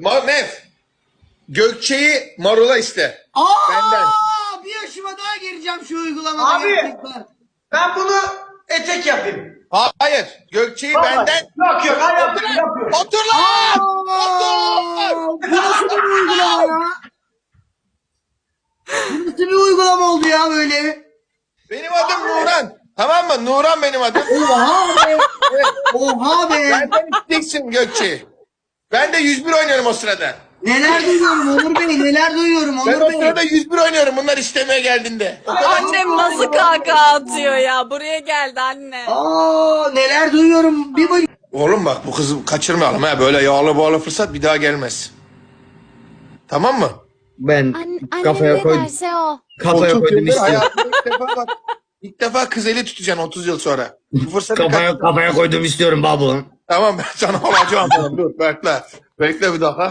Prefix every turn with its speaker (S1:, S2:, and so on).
S1: Mef. Gökçe'yi Marul'a iste. Benden.
S2: Bir yaşıma daha gireceğim şu uygulamada.
S3: Abi.
S2: gerçekten.
S3: Ben bunu etek yapayım.
S1: Hayır. Gökçe'yi
S3: Vallahi.
S1: benden.
S3: Yok yok ben yapıyorum.
S1: Otur lan! Otur!
S2: Bu nasıl bir uygulama ya? Bu nasıl bir uygulama oldu ya böyle?
S1: Benim adım Nuran. Tamam mı? Nuran benim adım.
S2: Oha be. Oha be.
S1: Benden isteyeceksin Gökçe'yi. Ben de 101 oynuyorum o sırada.
S2: Neler duyuyorum Onur Bey, neler duyuyorum
S1: Ben
S2: Onur
S1: o
S2: Bey.
S1: sırada 101 oynuyorum bunlar istemeye geldiğinde. O kadar
S4: Annem nasıl kahkaha atıyor ya. Buraya geldi anne.
S2: Neler duyuyorum. Bir bak.
S1: Oğlum bak bu kızı kaçırmayalım ha. Böyle yağlı bağlı fırsat bir daha gelmez. Tamam mı?
S5: Ben
S6: Annem
S5: kafaya
S6: ne
S5: koydum.
S6: derse o.
S5: Kafaya
S1: 30
S5: koydum
S1: yıldır
S5: istiyorum.
S1: hayatımda ilk defa bak. İlk defa kız eli tutacaksın 30 yıl sonra. Bu fırsatı
S5: Kafaya koydum istiyorum babu.
S1: Tamam ben sana olacağım. Dur bekle. Bekle bir dakika.